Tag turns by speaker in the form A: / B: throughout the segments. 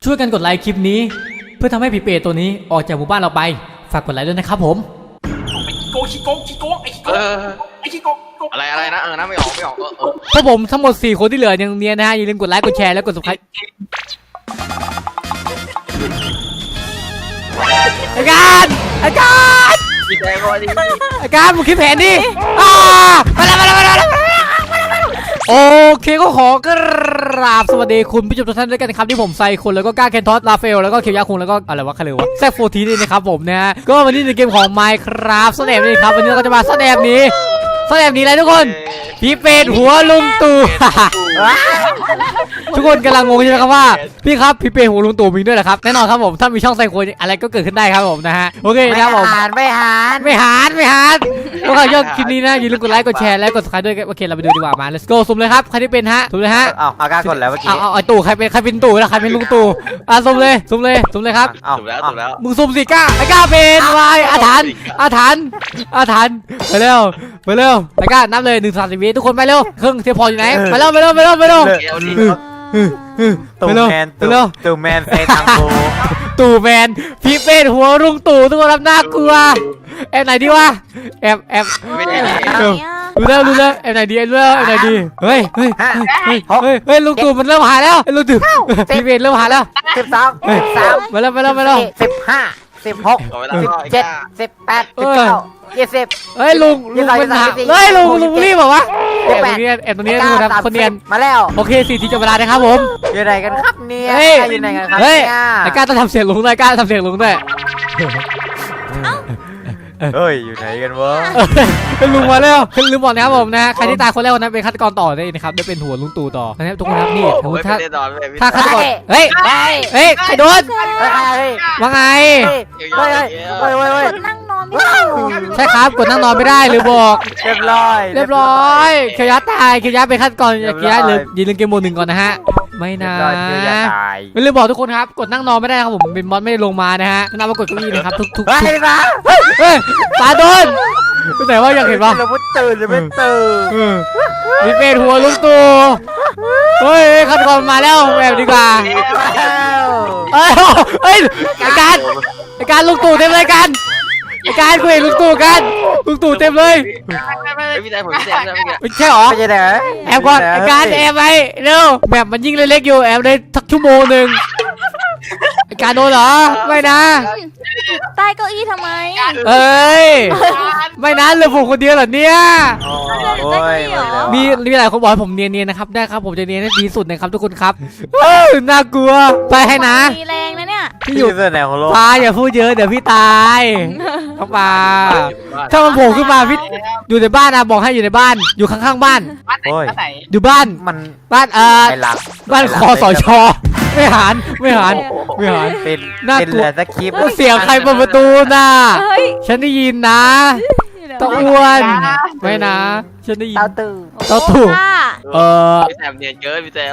A: ช่วยกันกดไลค์คลิปนี้เพื่อทำให้ผีเปรตตัวนี้ออกจากหมู่บ้านเราไปฝากกดไลค์ด้วยนะครับผม
B: ชิโกอะไรนะนะไม่ออก
A: พวกผมทั้งหมด4คนที่เหลือยังเนียนนะฮะอย่าลืมกดไลค์กดแชร์และกด subscribe ไอ้การ
B: พี่แจ๊ก็ดี
A: ไอ้การมึงคิดแผนดิมาแล้วโอเคก็ขอกราบสวัสดีคุณผู้ชมทุกท่านด้วยกันนะครับที่ผมไซคนแล้วก็ก้าเคนทอสลาเฟลแล้วก็เคียวยักษ์คุงแล้วก็อะไรวะใครเลยวะแซกโฟทีนี่นะครับผมนะก็วันนี้ในเกมของ Minecraft สแนปนี่ครับวันนี้เราก็จะมาสแนปนี้อะไรทุกคนพี่เป็ดหัวลุงตู่ทุกคนกำลังงงใช่ไหมครับว่าพี่ครับพี่เป็ดหัวลุงตู่มีด้วยเหรอครับแน่นอนครับผมถ้ามีช่องไซโคนอะไรก็เกิดขึ้นได้ครับผมนะฮะโอเคนะครับผม
C: ไม่หาร
A: ก็ขอยอดคลิปนี้นะอย่าลืมกดไลค์กดแชร์และกด subscribe ด้วยโอเคเราไปดูดีกว่ามา let's go สุ่มเลยครับใครที่เป็นฮะสุ่มเลยฮะ
C: เอากล้ากดแล้วเมื่อกี้
A: เอาไอ้ตู่ใครเป็นตู่แล้วใครเป็นลุงตู่สุ่มเลยครับ
B: ถูกแล้ว
A: มึงสุ่มสิก้าไอ้ก้าเป็นวายอาถรรพ์ไปเร็วไอ้ก้านับเลย1-30 วิทุกคนไปเร็วเครื่องเทียบพออยู่ไหนไปเร็ว
C: ตู่แมนเฟตังโก
A: ตู่แมนพี่เป็ดหัวลุงตู่ทุกคนรับน่ากลัวแอบไหนดีวะแอบดูแล้วแอบไหนดีเฮ้ยลุงตู่มันเริ่มหายแล้วลุงตู่พี่เป็ดเริ่มหายแล้ว
C: 12
A: มาแล้ว
C: 15 16 17 18 19 20
A: เฮ้ยลุงมันหาเฮ้ยลุงรีบเหรอวะแอบตรงนี้ดูนะคนเนียน
C: มาแล้ว
A: โอเค4 ทีจบเวลานะครับผม
C: อยู่ไหนกันครับเนี่ยอยู่ไหนกันครับ
A: ไอ้ก้าต้องทำเสียงลุงด้วย
C: เฮ้ยอยู่ไหนกันวะ
A: ลุงมาแล้วลืมบอกนะครับผมนะใครที่ตายคนแรกวันนั้นเป็นฆาตกรต่อได้นะครับได้เป็นหัวลุงตู่ต่อนะครับทุกคนครับนี่ถ้าฆาตกรเฮ้ยใครโดนว่าไง
C: นั่งนอนไม่ได้
A: ใช่ครับกดนั่งนอนไม่ได้หรือบอก
C: เรียบร้อย
A: เคียวยัดตายเคียวยัดเป็นฆาตกรเคียวยัดเลยยืนเล่นเกมโหมด 1ก่อนนะฮะไม่นะไม่ลืมบอกทุกคนครับกดนั่งนอนไม่ได้ครับผมเป็นมอสไม่ลงมานะฮะนับว่ากดเก้าอี้นะครับทุกตาโดนแต่ว่าอยากเห็นป่ะ
C: เราไม่ตื่น
A: มีเป็นหัวลุงตู่เฮ้ยฆาตกรมาแล้วแบบดีกว่าเฮ้ยไอการลุงตู่เต็มเลยกันไอการคุยลุงตู่เต็มเลยไม่ใช่หรอแอบก่อนไอการแอบไปเร็วแบบมันยิ่งเล็กๆอยู่แอบได้สักชั่วโมงนึงไอการโดนเหรอไม่นะ
D: ใต้เก้าอี้ทำไม
A: เอ้ยไม่นะเหลือผมคนเดียวเหรอเนี่ยมีหลายคนบอกให้ผมเนียนๆนะครับได้ครับผมจะเนียนให้ดีสุดนะครับทุกคนครับน่ากลัวไปให้นะ
D: มีแรงนะเนี่ย
C: พี่อยู่ที่ไหนของโลก
A: ปลาอย่าพูดเยอะเดี๋ยวพี่ตายเขาปลาถ้ามันโผล่ขึ้นมาพี่อยู่ในบ้านนะบอกให้อยู่ในบ้านอยู่ข้างๆบ้านอยู่บ้านบ้านคอสชไม่หาน
C: เป็นเหลือสคริปต์
A: เสียงใครเปิดประตูน่ะฉันได้ยินนะตะอ้วนไม่นะฉันได้ยิน
C: เต้า
B: พี่แซมเนียนเยอะพี่แซม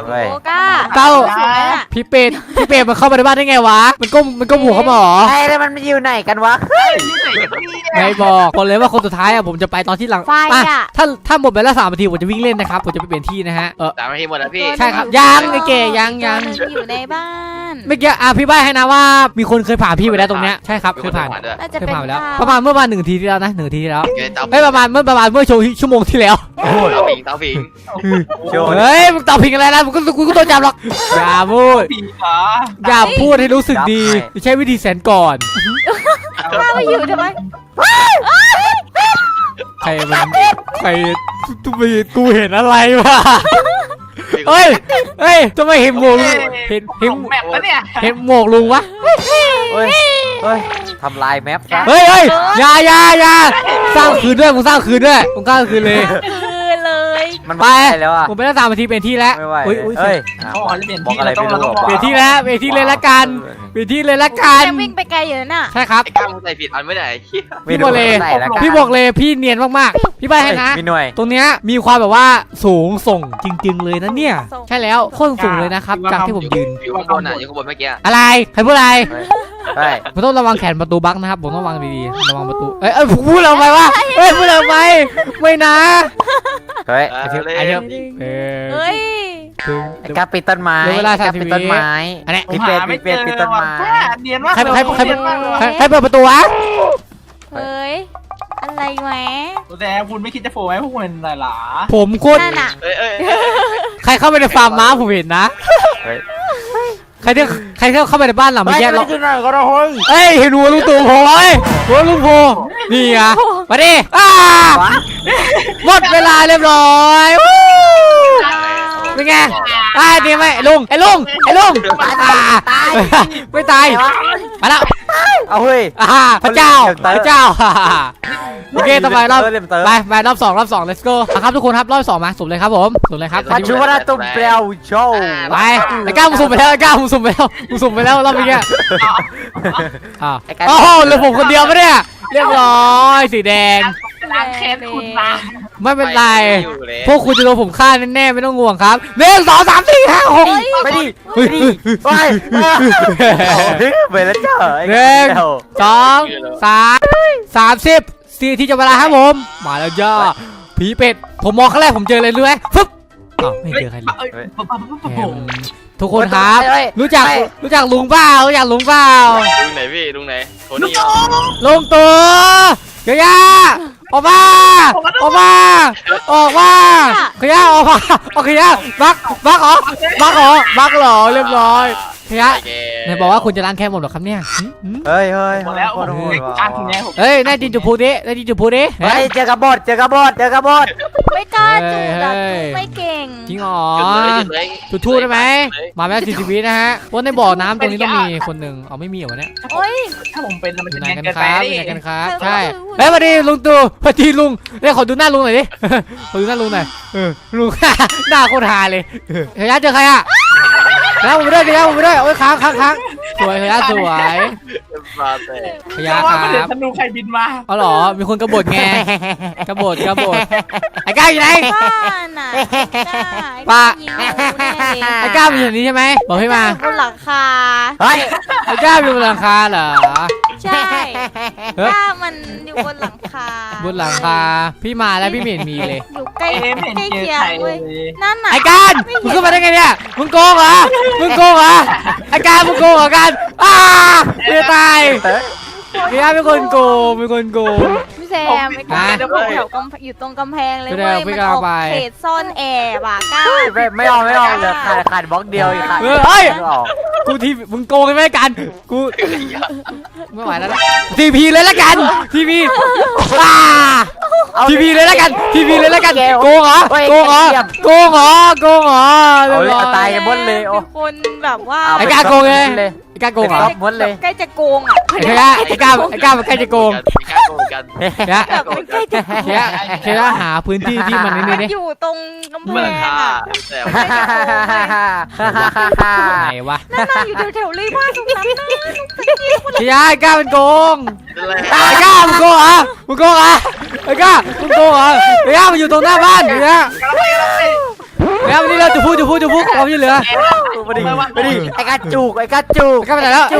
A: พี่เป็ดมันเข้ามาในบ้านได้ไงวะมันก้มหัวเขาหรอ
C: แล้วมันอยู่ไหนกันวะ
A: ไม่บอกเลยว่าคนสุดท้ายอะผมจะไปตอนที่หลังถ้าหมดไปแล้ว3 นาทีผมจะวิ่งเล่นนะครับผมจะไปเปลี่ยนที่นะฮะ
B: 3 นาทีหมดแล้วพี่
A: ใช่ครับยังไอ้เก๋ยัง
D: อยู่ในบ้าน
A: เมื่อกี้พี่ใบ้ให้นะว่ามีคนเคยผ่านพี่ไปแล้วตรงเนี้ยใช่ครับเคยผ่านแล้วประมาณเมื่อ1 นาทีที่แล้วนะ1 นาทีที่แล้วไม่ประมาณเมื่อชั่วโมงที่แล้ว
B: เตาผิง
A: เฮ้ยมึงเตาผิงอะไรนะกูก็โดนจับหรอกอย่าพูดให้รู้สึกดีใช้วิธีแสนก่อน
D: ข้าไม่อยู่ทำไม
A: ใครกูเห็นอะไรวะเฮ้ยทำไมเห็นหมวกเห็นแมปปะเนี่ยเห็นหมวกลุงวะ
C: เฮ้ยทำลายแมปซะ
A: เฮ้ยอย่าสร้างคืนด้วยมึงสร้างคืนเลย
C: มันไปแล้วอ่ะ
A: ผมไปได้3 นาทีเป็นที่แล้ว
C: บอกอะไรไม่รู้
A: เปลี่ยนที่เลยละกัน
D: วิ่งไปไกลอยู่น่ะ
A: ใช่ครับ
B: กล้ามึงใส่ผิดอันไม่ได้
A: พี่บอกเลยพี่เนียนมากๆพี่ใบให้นะตรงเนี้ยมีความแบบว่าสูงส่งจริงๆเลยนะเนี่ยใช่แล้วโคตรสูงเลยนะครับจากที่ผมยืน
B: อยู่ข้างบนอยู่ข้างบนเมื่อกี้
A: อะไรใครพูดอะไรผมต้องระวังแขนประตูบั๊กนะครับผมต้องระวังดีๆระวังประตูพูดเราไปว่าพูดเราไปไม่นะ
C: เฮ้ยไอ้กาปิดต้นไม้
A: เหลือเวลา
C: ไอ้กา
A: 30
C: ปิดต้นไม้
A: อันนี้
C: พี่เป็ดพี่เป็ดปิดต้นไม้
E: เนียนมาก
A: ใคร
E: เลย
A: ใครเปิดประตูวะ
D: เฮ้ยอะไรแหวะ
E: แต่คุณไม่คิดจะโฟไหมพวกคุณอะไรหรอ
A: ผมโคตร
D: นั่นอ่ะ
B: เอ้ย
A: ใครเข้าไปในฟาร์มม้าผมเห็นนะ
C: เฮ้ย
A: ใครที่เข้าไปในบ้านหลังเมื่อกี้
C: ไม่
A: เรา
C: ขึ้นหน่อยก็ได้เฮ้ย
A: เอ้ยเห็นหัวลุงตู่โผล่เอ้ยหัวลุงโผล่นี่ไงมาดิหมดเวลาเรียบร้อยวู้เป็นไงดีไหมลุงไอ้ลุงไม่ตายมาแล้ว
C: เอาเฮ้ย
A: พระเจ้าโอเคต่อไปรอบ
C: เล่มเติม
A: ไปรอบ2 let's go ครับทุกคนครับรอบ2มาสุ่มเลยครับผมสุ่มเลยครับ
C: ปัจจุบันตุ้มเปลวโชว์
A: ไปไอ้ก้าวมึงสุ่มไปแล้วมึงสุ่มไปแล้วรอบนี้โอ้โหเหลือผมคนเดียวปะเนี่ยเรียบร้อยสีแดง
E: ล้างแค้นคุณมา
A: ไม่เป็นไรพวกคุณจะโดนผมฆ่าแน่ๆไม่ต้องห่วงครับ1 2 3 4 5 6
C: ไปดิไปไปแล้วเจ้า
A: 2 3 30 4ที่จะเวลาครับผมมาแล้วจ้าผีเป็ดผมมองครั้งแรกผมเจออะไรรู้ไหมฟึ๊บไม่เจอใครเลยทุกคนครับรู้จักลุงเปล่าลุงไหน
B: พี่ลุงไหนโทนี่
A: ลุงตัวเกียร์ออกมาเกียร์ออกมาเกียร์บักเหรอเรียบร้อยเกียร์เนี่ยบอกว่าคุณจะล้างแค้นหมดหรอครับเนี่ย
C: เฮ้ย
E: หมดแล้วการทีนี้ผม
A: เฮ้ยได้ดินจุพูดิ
C: เฮ้ยเจอกระบด
D: ไม่กล้าจูบแบบไม่เก่ง
A: จริงอ๋อ
B: จุดเลย
A: จุดทูบได้ไหมมาแล้ว40 วินะฮะว่าในบ่อน้ำตรงนี้ต้องมีคนหนึ่งเอาไม่มีเหรอเนี่ย
D: โอ้ย
E: ถ้าผมเป็นมัน
A: อยู่
E: จะ
A: ไหน
E: เนียน
A: กัน
E: เกิน
A: ค
E: ไป
A: รับอ
E: ดิ
A: ยู่ไหนกันครับใช่เฮ้ยสวัสดีลุงตู่สวัสดีลุงเนี่ยขอดูหน้าลุงหน่อยดิขอดูหน้าลุงหน่อยลุงหน้าโคตรฮาเลยเฮียเจอใครอ่ะแล้วผมไปด้วยโอ้ยค้างสวยเฮียสวย
B: มาแต่
A: เฮีย
E: เพราะ
A: ค
E: ว่า
A: รั
E: เดี๋ยว
A: บ
E: ธนูใครบินมา
A: เอาหรอมีคนกบฏไงกบฏไอ้ก้าวอยู่ไหน
D: บ้านน่ะ
A: ป้า
D: ยิงงูแน่เลย
A: ไอ้ก้าวอยู่นี่ใช่ไหมบอกให้มา
D: บนหลังคา
C: เฮ้ย
A: ไอ้ก้าวอยู่บนหลังคาเหรอ
D: ใช่ถ้ามันอยู่บนหลังคา
A: บนหลังคาพี่มาแล้วพี่ไม่เห็นมีเลย
D: อยู่ใกล้
E: เอ็มเห็น
D: ใกล้
E: เจอ
D: เคียง
E: ใคร
D: เว้ย
E: เลย
D: นั่นน่ะ
A: ไอ้การมึงขึ้นมาได้ไงเนี่ยมึงโกงเหรอไอ้การมึงโกงเหรอการไม่ตายพี่อาเป็นคนโกง
D: พี่แซมไอ้ก้าวแถวอยู่ตรงกำแพงเลยเว้ยมันออกเขตซ่อนแอบอ่ะก้าว
C: ไม่ออกเหลือขาดบล็อกเดียวอีกขาด
A: เฮ้ย
C: ไม่ออก
A: กูทีมึงโกงใช่ไหมกันกูไม่ไหวแล้วนะทีพีเลยละกันทีพีทีพีเลยละกันโกงเหรอ
C: เอาเลยตายกันหมดเลยโอ้
D: เป็นคนแบบว่า
A: ไอ้การโกงเลยไอ้การโกงเหรอ
C: หมดเลย
D: ใกล้จะโกงอ่ะ
A: ไอ้ก้าวมันใกล้จะโกง
B: กัน
D: แบบมันใกล้จะโกง
A: แค่หาพื้นที่ที่มันนี่นี่
D: อยู่ตรงกำแพ
B: เมื่อง ค่า
D: อ่ะ
B: แต่
A: ไหนวะ
D: นั่งอยู่แถวๆเลยว่าตรงนั้นนะ
A: ไอ้ก้าวมันโกงไอ้ก้าวมึงโกงเหรอไอ้ก้าวมึงโกงเหรอไอ้ก้าวมันอยู่ตรงหน้าบ้านเนี่ยวันนี้เราจะพูดความช่วยเหลือ
C: ไปดิไอ้กาจูก
A: ไอ้ก้าวไปไหนแล้ว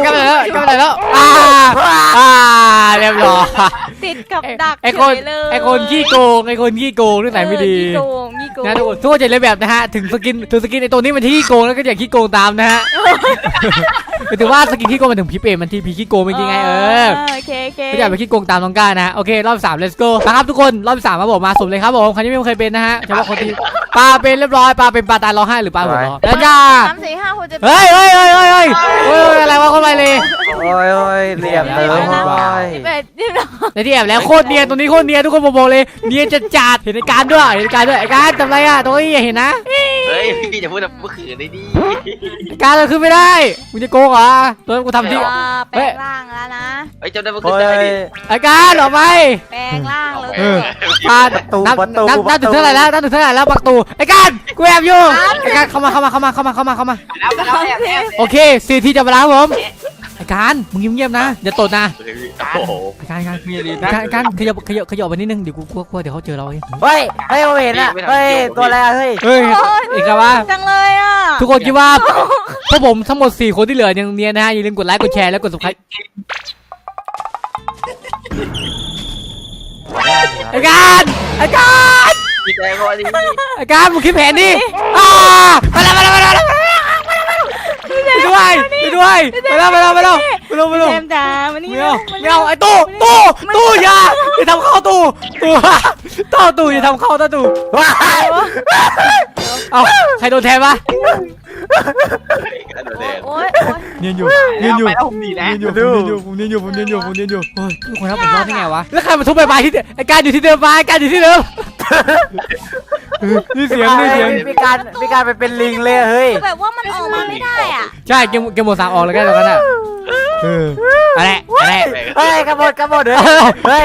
A: เรียบร้อย
D: ติดกับดัก
A: ไอ้คนขี้โกงเรื่องไหนไม่ดี
D: ขี้โกง
A: นะทุกคนจะเลยแบบนะฮะถึงสกินไอ้ตัวนี้มันที่ขี้โกงแล้วก็อย่าขี้โกงตามนะฮะถือว่าสกินขี้โกงมันถึงพีเปมันที่พีขี้โกงไม่จริงไง
D: โอเค
A: ไม่อยากไปขี้โกงตามน้องก้านะโอเครอบ3 let's go นะครับทุกคนรอบ3มาบอกมาสุ่มเลยครับผมใครที่ไม่เคยเป็นนะฮะเฉพาะคนที่ปลาเป็นเรียบร้อยปลาเป็นปลาตายร้องไห้หรือปลาหัวเราะแล้วจ้า
D: 3 4 5 6 7
A: เฮ้ยอะไรวะคนไปเลย
C: โอ้ยเหลี่ยมเติมเข้าไป
A: ในที่แอบแล้วโคตรเนียนตรงนี้โคตรเนียนทุกคนบอกเลยเนียนจัดเห็นในการด้วยไอ้การทำไรอ่ะตรงนี้เห็นนะ
B: เฮ้ยพี่จะพูดแบบเมื่อคืนได้ดี
A: การเราขึ้นไม่ได้มึงจะโกงเหรอตัวกูทำที่
D: แปลงร่างแล้วนะ
B: เฮ้ยจำได้เมื่อคืนได้ดิ
A: ไอ้การออกไป
D: แปลงร่างเลย
A: ปานับถึงเท่าไหร่แล้วปักตูไอ้การกูแอบอยู่ไอ้การเข้ามาโอเค4 ที่จะมาแล้วผมไอ้การมึงเงียบๆนะอย่าตดนะ
B: โอ้โห
A: ไอ้การขยับไปนิดนึงเดี๋ยวกูกลัวเดี๋ยวเขาเจอเราเอง
C: เฮ้ยผมเห็นอ่ะเฮ้ยตัวอะไรเฮ้ย
A: เอกว่า
D: จังเลยอ่ะ
A: ทุกคนคิดว่าพวกผมทั้งหมด4 คนที่เหลือยังเนียนนะฮะอย่าลืมกดไลค์กดแชร์แล้วกด subscribe ไอ้การ
B: พี่แจ๊ก็ดี
A: ไอ้การมึงคิดแผนดิมาแล้วด้วยมาแล้ว
D: พี่แซมจ๋ามานี่
A: ไม่เอาไอ้ตู้อย่าทำเข้าตู้อย่าทำเข้าตู้
C: ว้าย
A: เอาใครโดนแทนวะ
B: กันแดด
D: โอ๊ย
A: เนียนอยู่
E: ไปแล้วผมหนีแล้ว
A: ผมเนียนอยู่โอ้ยทุกคนครับผมรอดได้ไงวะแล้วใครมาทุบใบไม้ที่ไอ้การอยู่ที่เดิมนี่เสียง
C: มีการไปเป็นลิงเลยเฮ้ย
D: แบบว่ามันออกมาไม่ได้อ่ะ
A: ใช่เกมหมดสามออกแล้วกันแล้วกันอ่ะอะไร
C: เฮ้ยกระโดดเฮ้ย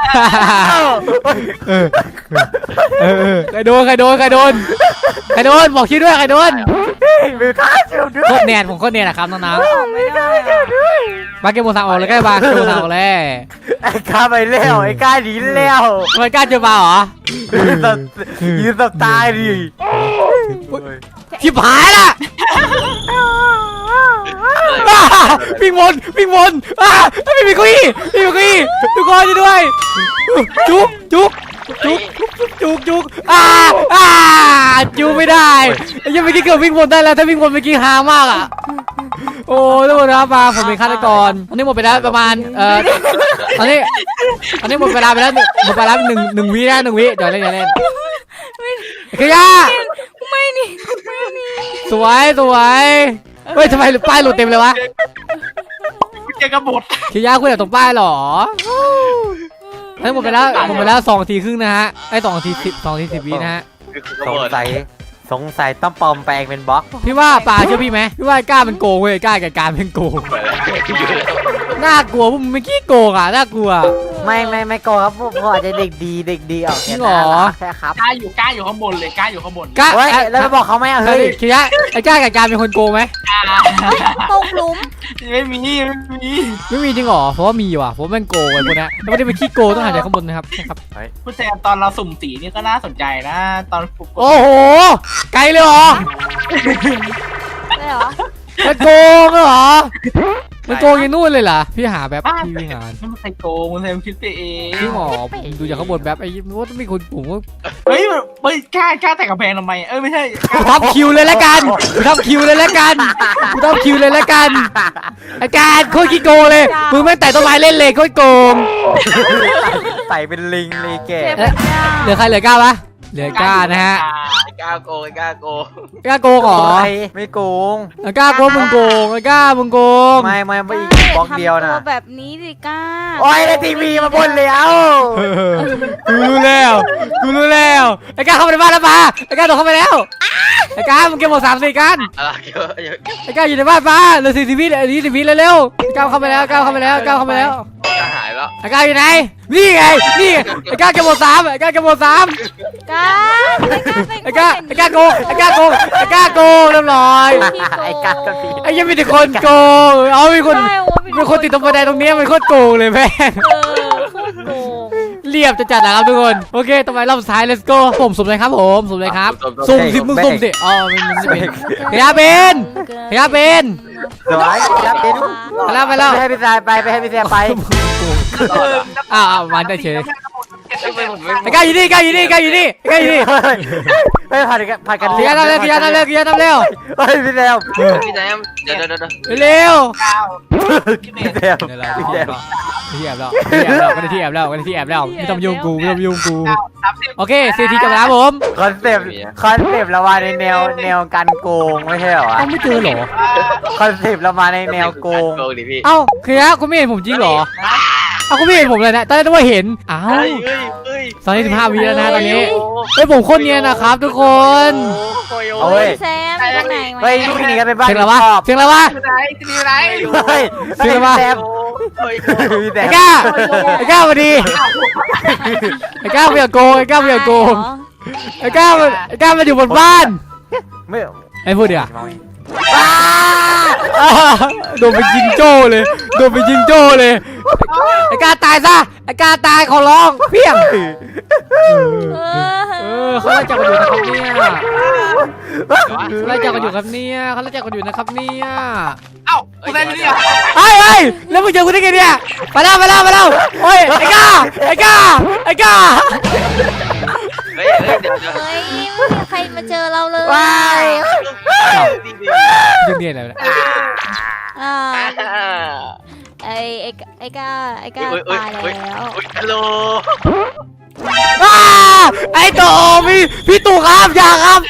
A: ใครโดนบอกชื่อด้วยใครโดน
C: มือข้าเชียวด้วย
A: โคตรเนียนผมโคตรเนียนนะครับน้อง
D: ออกไม่ได้อะ
A: ๆมาเกมหมดสามออกแล้วกันมาเกมหมดสามออกแล้ว
C: ไอ้ข้าไปแล้วไอ้ข้าหนีแล้ว
A: ทำไมกล้าเจอมาเหรอ
C: ยืนตับตายดิ
A: ชิบหายละวิ่งวนไม่มีเก้าอี้ทุกคนด้วยจุกจุกไม่ได้ยังไม่อกี้เกือบวิ่งวนได้แล้วถ้าวิ่งวนเมื่อกี้ฮามากอ่ะโอ้ทุกคนครับมาผมเป็นฆาตกรตอนนี้หมดไปแล้วประมาณตอนนี้หมดเวลาไปแล้วหนึ่งวิเดี๋ยวเล่นคือย่า
D: ไม่นี่
A: สวยเฮ้ยทำไมป้ายหลุดเต็มเลยวะ
E: เจอกระบด
A: คือย่าคุยกับตรงป้ายหรอให้หมดไปแล้ว2 นาทีครึ่งนะฮะไอ้2 นาที 10 วินะฮะ
C: สงสัยต้องปลอมแปลงเป็นบล็อก
A: พี่ว่าป่าเชื่อพี่ไหมพี่ว่ากล้ามันโกงเว้ยกล้ากับการเป็นโกงน่ากลัวพวกมึงไม่ขี้โกงอ่ะน่ากลัว
C: ไม่โกครับพวกอาจจะเด็กดีออกแค่ครับ
E: กล้าอยู่ข้างบนเลยกล้าอยู่ข้างบน
A: กล้า
C: เฮ้ยแล้วบอกเขาไหมเฮ้ย
A: คือย่าไอ้กล้ากับการเป็นคนโกงไหม
D: ตกหลุม
E: ไม่มี
A: ไม่มีจริงหรอเพราะว่ามีว่ะเพราะมันโกงไอ้พวกนี้แล้วไม่ได้เป็นขี้โกงต้องหายใจข้างบนนะครับใช่ครับ
E: คุณแซมตอนเราสุ่มสีนี่ก็น่าสนใจนะตอนฟุก
A: โอ้โหไกลเลยเหรอ
D: ได้เหรอ
A: มันโกงเหรอมันโกงยังนู่นเลยเหรอพี่หาแบบพี่วิ่งหา
E: ไม่ใช่โกงคุณแซมคิดไปเอง
A: พี่หมอผมดูจากข้างบนแบบไอ้ว่าต้องมีคนผมว่า
E: เฮ้ยกล้าแต่กระแพงทำไมไม่ใช่
A: ทับคิวเลยแล้วกันทับคิวเลยแล้วกันอาการโคตรขี้โกงเลยมึงแม่งแต่ต้นไม้เล่นเลยโคตรโกง
C: ใส่เป็นลิงเลยแก
A: เหลือใครเหลือก้าวะเหลือก้านะฮะ
B: กล้าโกง
A: ก้าโกงเหรอ
C: ไม่โกง
A: ก้าโกงมึงโกงก้ามึงโกง
C: ไม่อีกบล็อกเดียวนะ
D: ทำตัวแบบนี้ดิก้า
C: โอ้ยในทีวีมาบนเลยเอ้า
A: กูรู้แล้วไอ้ก้าเข้าไปในบ้านแล้วมาไอ้ก้าโดดเข้าไปแล้วไอ้ก้ามึงเก็บหมด3 4กันไอ้ก้าอยู่ในบ้านมาเหลือ40 วิเร็วๆก้าเข้าไปแล้ว
B: หายแล้ว
A: ไอ้ก้าอยู่ไหนนี่ไงไอ้ก้าเก็บหมด3ไอ้ก้าเก็บหมด3
D: ก้า
A: ไอ้ก้าโกงเรียบร้อย
C: ไอ้กัดก็ดี
A: ไอ้ยังมีแต่คนโกงเอามีคนติดตรงบันไดตรงนี้มันโคตรโกงเลยแม่ง
D: โกง
A: เรียบจะจัดนะครับทุกคนโอเคต่อไปรอบสุดท้าย let's go ผมสุ่มเลยครับสุ่มสิมึงสุ่มสิอ๋อมันจะเป็นพยาเป็น
C: สวยครับเป็น
A: ไปแล้ว
C: ไปให้พี่แซมไปให้พี่แซมไป
A: อ้าวมันได้เฉยไอ้ก้าอยู่นี่
C: ไม่ผัดกัน
A: เกียร์ทำเร็ว
C: เฮ้ยพี่แซม
A: เร็ว
B: พี่แจ๊เดี๋ยว
C: พี่แซม
A: ที่แอบแล้วก็ได้ที่แอบแล้วไม่ต้องยุ่งกูโอเค4 ทีจบแล้วผม
C: คอนเซปต์เรามาในแนวการโกงไม่ใช่เหรอ
A: ต้องไม่เจอหรอ
C: คอนเซปต์เรามาในแนวโกง
B: ดิพี่
A: เอ้าคือฮะคุณไม่เห็นผมจริงหรอเอาคุณไม่เห็นผมเลยนะตอนแรกนึกว่าเห็นอ้าวตอนนี้15 วิแล้วนะตอนนี้เฮ้ยผมโคตรเนียนนะครับทุกคน
C: เอาเว้ย
D: แซมไปไหน
C: เฮ้ยลูกหนีกันไปบ้าน
A: เสียงอะไรวะ
C: เฮ้ยพี่แซม
A: ไอ้ก้ามาดีไอ้ก้าไม่อยากโกงไอ้ก้ามาอยู่บนบ้าน
C: ไม่
A: ไอ้พูดเดี๋ยวโดนไปยิงโจ้เลยไอ้ก้าตายซะไอ้ก้าตายขอร้องเพี้ยงเขาไล่จับกันอยู่นะครับเนี่ย
E: เอ้าคุณแซมนี่เหรอ
A: เฮ้ยแล้วมึงเจอกูได้ไงเนี่ยไปแล้วโอ้ยไอ้ก้า
B: เฮ้ยเดี๋ยว
D: เฮ้ยไม่มีใครมาเจอเราเลย
C: ว้าย
A: เรื่องเดียอะไรเนี่ย
D: อ่าไอ้ก้าตายแล้ว
B: ฮัลโหล
A: ไอ้โตพี่ตู่ครับอย่าครับ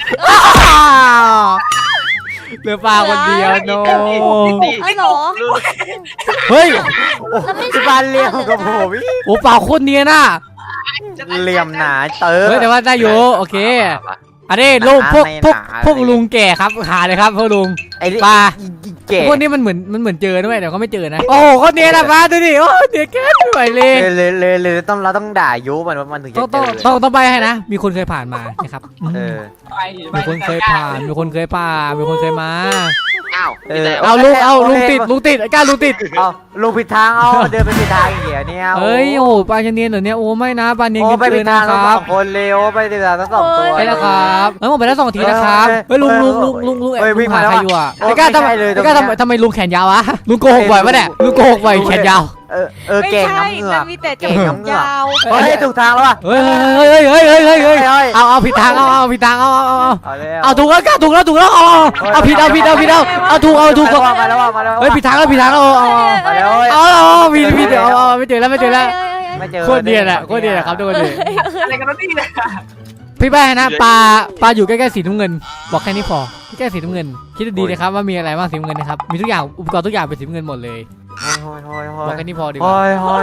A: เหลือปลาคนเดียวโน
D: เอ้ยเหรอ
A: เฮ้ย
D: แล้วไม่
C: ที่บ้านเลี้ยงกับผมอีก
A: โอ้ปลาโคตรเนียนน่ะ
C: เหลี่ยมหนาเติร์
A: เฮ้ยแต่ว่าได้อยู่โอเคอันนี้ลุงพวกลุงแก่ครับหาเลยครับพวกลุง
C: ไอ้
A: ปลา
C: เก๋
A: พวกนี้มันเหมือนเจอด้วยแต่เขาไม่เจอนะโอ้โหเขาเนียนอะปลาดูดิโอ้เนียนแค่ไม่ไหวเลย
C: เลยเราต้องด่ายุมันว่ามันถึงจะ
A: ต้องใบให้นะมีคนเคยผ่านมานะครับมีคนเคยผ่านมีคนเคยมา
B: อ้าว
A: เอาลุงติดไอ้ก้าลุงติด
C: เอาลุงผิดทางเอาเดินไปผิดทางอย่างเงี้ยเนี่ย
A: เฮ้ยโอ้ปลาจะเนียนเหรอเนี่ยโอ้ไม่นะปลาเนียน
C: โอ้
A: เกิน
C: ไป
A: เกิ
C: ผิ
A: น
C: ด
A: นะ
C: ทาง
A: ค
C: ทั้ง
A: รับ
C: สองคนเร็วไปผิดทางทั้งสองตัว
A: ใช่แล้วครับเฮ้ยผมไปได้2 ทีนะครับเฮ้ยลุงแอบลุงหาใครอยู่อ่ะไอ้ก้าทำไมลุงแขนยาววะลุงโกหกบ่อยปะเนี่ยลุงโกหกบ่อยแขนยาว
C: เก่งน้ำเหงือก
D: มีแต่จ
C: เก่ง
D: มู
C: น้ำ
D: ก
C: เหงือก
D: ยาว
C: เฮ้ยถูกทางแล้วว่ะ
A: เฮ้ยเอาผิดทางเอาผิดทางเอาถูกแล้วก้าถูกแล้วเอาผิดเอาถูก
C: มาแล้ว
A: เฮ้ยผิดทางเอา
C: มาแล้ว
A: ผิดเอาไม่เจอแล้วไม่เจอ โคตรเนียนอะครับทุกคนเลย
E: อะไรกันนี่เนี่ย
A: พี่แป้นะปลาอยู่ใกล้ๆสีน้ำเงินบอกแค่นี้พอใกล้สีน้ำเงินคิดดีนะครับว่ามีอะไรบ้างสีน้ำเงินนะครับมีทุกอย่างอุปกรณ์ทุกอย่างเป็นสีน้ำเงินหมดเลยบอกแค่นี้พอดีกว่า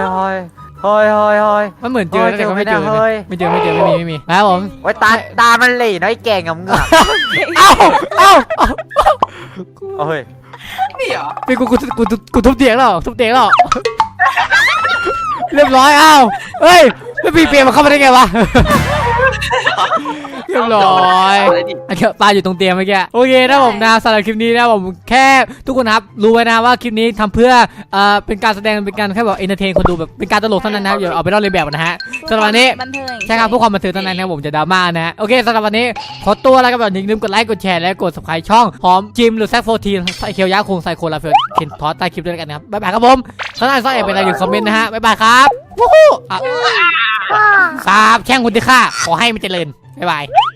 A: มันเหมือนเจอแต่ก็ไม่เจอไม่มีครับผม
C: โอ้ยตามันเหล่น้อยแก่งน้ำเหงือก
A: เอ้า
C: เฮ้ย
E: นี่เหรอ
A: เป็นกูทุบเตียงแล้วเรียบร้อยเอ้าเฮ้ยแล้วปีเปลี่ยนมาเข้ามาได้ไงวะเรียบร้อยอันนี้ปลาอยู่ตรงเตียงเมื่อกี้โอเคนะผมนะสำหรับคลิปนี้นะผมแค่ทุกคนครับรู้ไว้นะว่าคลิปนี้ทำเพื่อเป็นการแสดงเป็นการแค่แบบเอนเตอร์เทนคนดูแบบเป็นการตลกเท่านั้นนะอย่าเอาไปเล่าเลียนแบบนะฮะสำหรับวันนี้
D: บันเทิง
A: ใช่ครับเพื่อความบันเทิงเท่านั้นนะผมจะดราม่านะฮะโอเคสำหรับวันนี้ขอตัวแล้วก็แบบอย่าลืมกดไลค์กดแชร์และกด subscribe ช่องหอมจิมหรือแซคโฟทีใส่เคียวยาคงใส่โคลาเฟลเคนทอสใต้คลิปด้วยกันนะครับบ๊ายบายครับผมถ้าได้ซ่อนแอบเป็นอะไรอยู่คอมเมนต์นะฮะบ๊ายบายครับวู้ฮู้สาบแช่งคุณที่ฆ่าขอให้มันเจริญบ๊ายบาย